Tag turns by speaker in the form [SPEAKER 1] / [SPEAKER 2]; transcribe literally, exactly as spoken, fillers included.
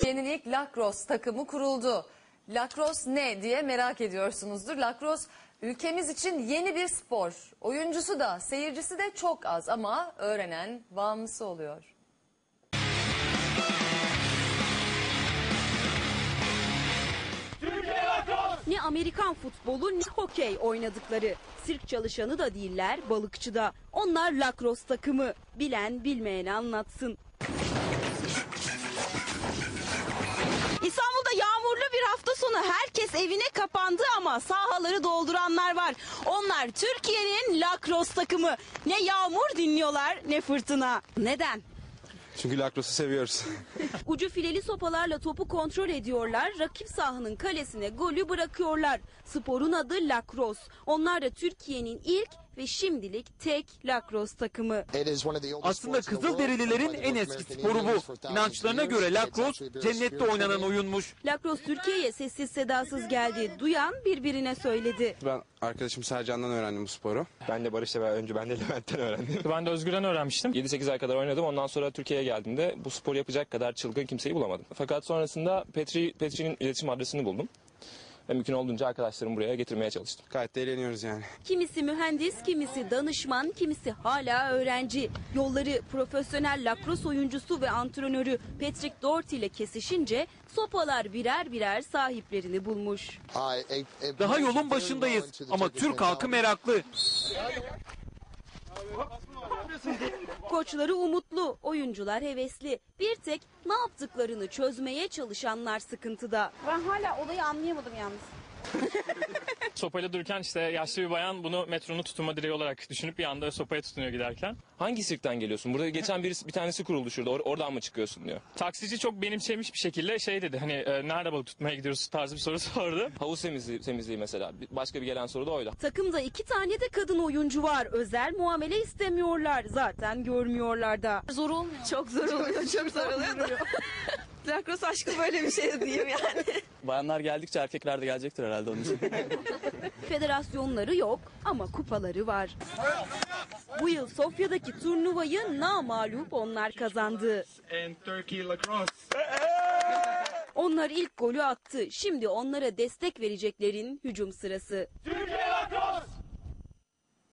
[SPEAKER 1] Türkiye'nin ilk lacrosse takımı kuruldu. Lacrosse ne diye merak ediyorsunuzdur. Lacrosse ülkemiz için yeni bir spor. Oyuncusu da seyircisi de çok az ama öğrenen bağımlısı oluyor.
[SPEAKER 2] Ne Amerikan futbolu ne hokey oynadıkları. Sirk çalışanı da değiller, balıkçı da. Onlar lacrosse takımı. Bilen bilmeyeni anlatsın. İstanbul'da yağmurlu bir hafta sonu herkes evine kapandı ama sahaları dolduranlar var. Onlar Türkiye'nin lacrosse takımı. Ne yağmur dinliyorlar ne fırtına. Neden?
[SPEAKER 3] Çünkü lacrosse'u seviyoruz.
[SPEAKER 2] Ucu fileli sopalarla topu kontrol ediyorlar. Rakip sahanın kalesine golü bırakıyorlar. Sporun adı lacrosse. Onlar da Türkiye'nin ilk ve şimdilik tek lacrosse takımı.
[SPEAKER 4] Aslında Kızılderililerin en eski sporu bu. İnançlarına göre lacrosse cennette oynanan oyunmuş.
[SPEAKER 2] Lacrosse Türkiye'ye sessiz sedasız geldi. Duyan birbirine söyledi.
[SPEAKER 3] Ben arkadaşım Sercan'dan öğrendim bu sporu.
[SPEAKER 5] Ben de Barış'la beraber önce ben de Levent'ten öğrendim.
[SPEAKER 6] Ben de Özgür'den öğrenmiştim.
[SPEAKER 5] yedi sekiz ay kadar oynadım. Ondan sonra Türkiye'ye geldiğimde bu spor yapacak kadar çılgın kimseyi bulamadım. Fakat sonrasında Petri, Petri'nin iletişim adresini buldum. Ve mümkün olduğunca arkadaşlarımı buraya getirmeye çalıştım.
[SPEAKER 3] Gayet de eğleniyoruz yani.
[SPEAKER 2] Kimisi mühendis, kimisi danışman, kimisi hala öğrenci. Yolları profesyonel lacrosse oyuncusu ve antrenörü Patrick Doherty ile kesişince sopalar birer birer sahiplerini bulmuş.
[SPEAKER 4] Daha yolun başındayız ama Türk halkı meraklı.
[SPEAKER 2] Koçları umutlu, oyuncular hevesli. Bir tek ne yaptıklarını çözmeye çalışanlar sıkıntıda. Ben hala olayı anlayamadım yalnız.
[SPEAKER 6] Sopayla dururken işte yaşlı bir bayan bunu metronun tutunma direği olarak düşünüp bir anda sopaya tutunuyor giderken.
[SPEAKER 5] Hangi sirkten geliyorsun? Burada geçen birisi, bir tanesi kuruldu şurada. Or- oradan mı çıkıyorsun diyor.
[SPEAKER 6] Taksici çok benimsemiş bir şekilde şey dedi, hani e, nerede balık tutmaya gidiyoruz tarzı bir soru sordu.
[SPEAKER 5] Havuz temizliği, temizliği mesela. Başka bir gelen soru da oydu.
[SPEAKER 2] Takımda iki tane de kadın oyuncu var. Özel muamele istemiyorlar. Zaten görmüyorlar da. Zor olmuyor. Çok zor oluyor. Çok zor oluyor. Lacrosse aşkı böyle bir şey diyeyim yani.
[SPEAKER 5] Bayanlar geldikçe erkekler de gelecektir herhalde onun için.
[SPEAKER 2] Federasyonları yok ama kupaları var. Bu yıl Sofya'daki turnuvayı namağlup onlar kazandı. Onlar ilk golü attı. Şimdi onlara destek vereceklerin hücum sırası.